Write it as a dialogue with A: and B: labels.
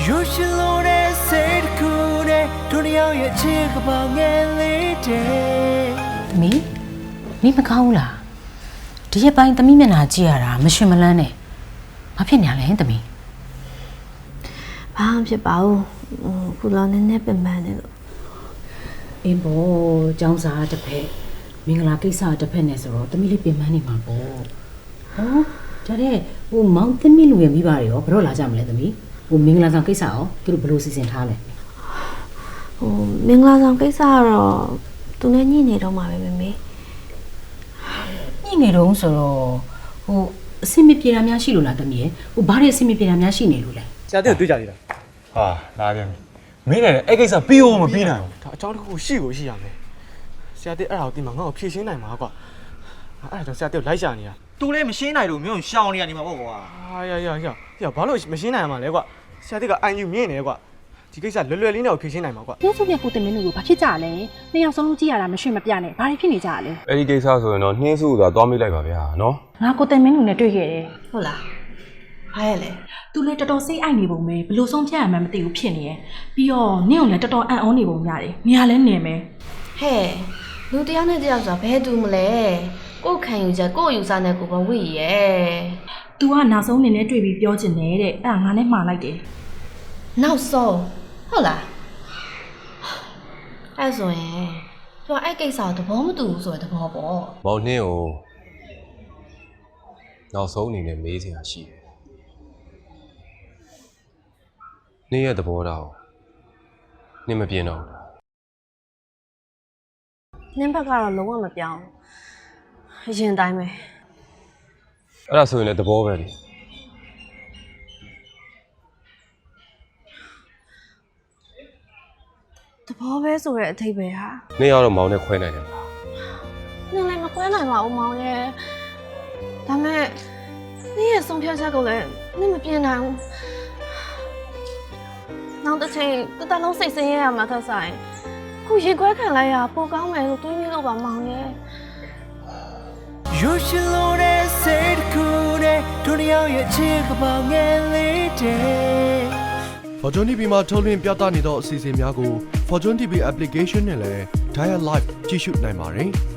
A: You should know that said cool day တို့ရောက်ရဲ့ချစ်ကပောင်ငယ်လေးတဲ့
B: မီမကောင်းဘူးလားဒီရက်ပိုင်းသမီးမျက်နှာကြည့်ရတာမရှင်မလန်းနဲ့ဘာဖြစ်နေရလဲသမီး
C: ဘာမှဖြစ်ပါဘူးခုလောနည်းနည်းပင်ပန်းနေလို့
B: အင်းဘောကျောင်းစာတစ်ဖက်မင်္ဂလာကိစ္စတစ်ဖက်နဲ့ဆိုတော့သမီးလေးပြင်ပန်းနေမှာပေါ့ဟောဒါတဲ့ဟိုမောင်သမီးလူငယ်မိပါတယ်ရောဘယ်တော့လာကြမလဲသမီးဟိုမင်္ဂလာဆောင်ကိစ္စရောသူတို့ဘယ်လိုစီစဉ်ထားလဲ
C: မင်္ဂလာဆောင်ကိစ္စကတော့သူနဲ့ညှိနေတော့မှာပဲမေမေ
B: ညနေတုန်းဆိုတော့ဟိုအဆင်မပြေတာများရှိလို့လားသမီးရဲ့ဟိုဘာတွေအဆင်မပြေတာများရှိနေလို့လဲ
D: ဆရာတက်ကိုတွေ့ကြသေးလား
E: ဟာလာပြန်ပြီမင်းလည်းအဲ့ကိစ္စပြီးအောင်မပြီးနိုင်ဘူး
D: ဒါအကြောင်းတစ်ခုရှိကိုရှိရမယ်ဆရာတက်အဲ့ဒါကိုဒီမှာငါ့ကိုဖြည့်ရှင်းနိုင်မှာကွာအဲ့ဒါကြောင့်ဆရာတက်ကိုလိုက်ရှာနေတာ
F: သူလည်းမရှင်းနိုင်လို့မျိုးရှောင်းနေရနေမှာပေါ့ကွာ
D: ဟာရဘာလို့မရှင်းနိုင်မှာလဲကွာဆရာတက်ကအိုင်ယူမြင့်နေကွာဒီကိစ္စလွယ်လွယ်လေးနဲ့ကိုဖြည့်ရှင်းနိုင်မှာကွာ
G: ကျုပ်စုပြကိုတင်မင်းတို့ကဘာဖြစ်ကြလဲနှစ်ယောက်စလုံးကြည့်ရတာမရွှေ့မပြနဲ့ဘာတွေဖြစ်နေကြလဲ
E: အဲ့ဒီကိစ္စဆိုရင်တော့နှင်းစုဆိုတာသွားမိလိုက်ပါဗျာနော်
G: ငါကိုတင်မင်းတို့နဲ့တွေ့ခဲ့တယ်
C: ဟုတ်လားဘာရလဲ
G: သူလည်းတော်တော်စိတ်အိုက်နေပုံပဲဘလို့ဆုံးဖြတ်ရမှန်းမသိဘူးဖြစ်နေရယ်ပြီးတော့နင့်ကိုလည်းတော်တော်အံ့ဩနေပုံရတယ်နေရာလဲနေမယ်
C: ဟဲ့လူတယောက်နဲ့တယောက်ဆိုတာဘယ်သူမလဲကိုယ်ခံယူချက်ကိုယ်ယူစားနဲ့ကိုယ်ဘဝရယ်
G: तू ကနောက်ဆုံးနေနဲ့တွေ့ပြီးပြောချင်တယ်တဲ့အဲ့ဒါငါနဲ့မှားလိုက်တယ်
C: နောက်ဆုံးဟုတ်လားအဲ့ဆိုရင်သူကအဲ့ကိစ္စကိုသဘောမတူဘူးဆိုတဲ့သဘောပေါ့
E: မောင်နှင်းကိုနောက်ဆုံးအနေနဲ့မေးစရာရှိတယ်နှင်းရဲ့သဘောထားကိုနှင်းမပြင်းတော့ဘူးလား
C: နင်းဘက်ကတော့လုံးဝမပြောင်းအရင်တိုင်းပဲ
E: အဲ့ဒါဆိုရင်လည်းသဘောပဲလေ
C: သဘောပဲဆိုတဲ့အထိပ္ပယ်ဟာ
E: နှင်းကတော့မောင်နဲ့ခွဲနိုင်တယ်လား
C: နင်းလည်းမခွဲနိုင်ပါဘူးမောင်ရဲ့ဒါမဲ့နင်းရဲ့ဆုံးဖြတ်ချက်ကိုလည်းနင်းမပြင်းနိုင်ဘူးနောက်တစ်ချိန်တတလုံးစိတ်ဆင်းရဲရမှာသက်ဆိုင်ခုရေခွဲခံလိုက်ရပိုကောင်းမယ်လို့တွေးမိလို့ပါမောင်ရဲ့
A: You should know that said cool day တို့ရောက်ရဲ့ချစ်ကပောင်ငယ်လေးတဲ့
H: Fortune TV မှာထုတ်လွှင့်ပြသနေသောအစီအစဉ်များကို Fortune TV application နဲ့လည်း Dial Live ကြည့်ရှုနိုင်ပါတယ်။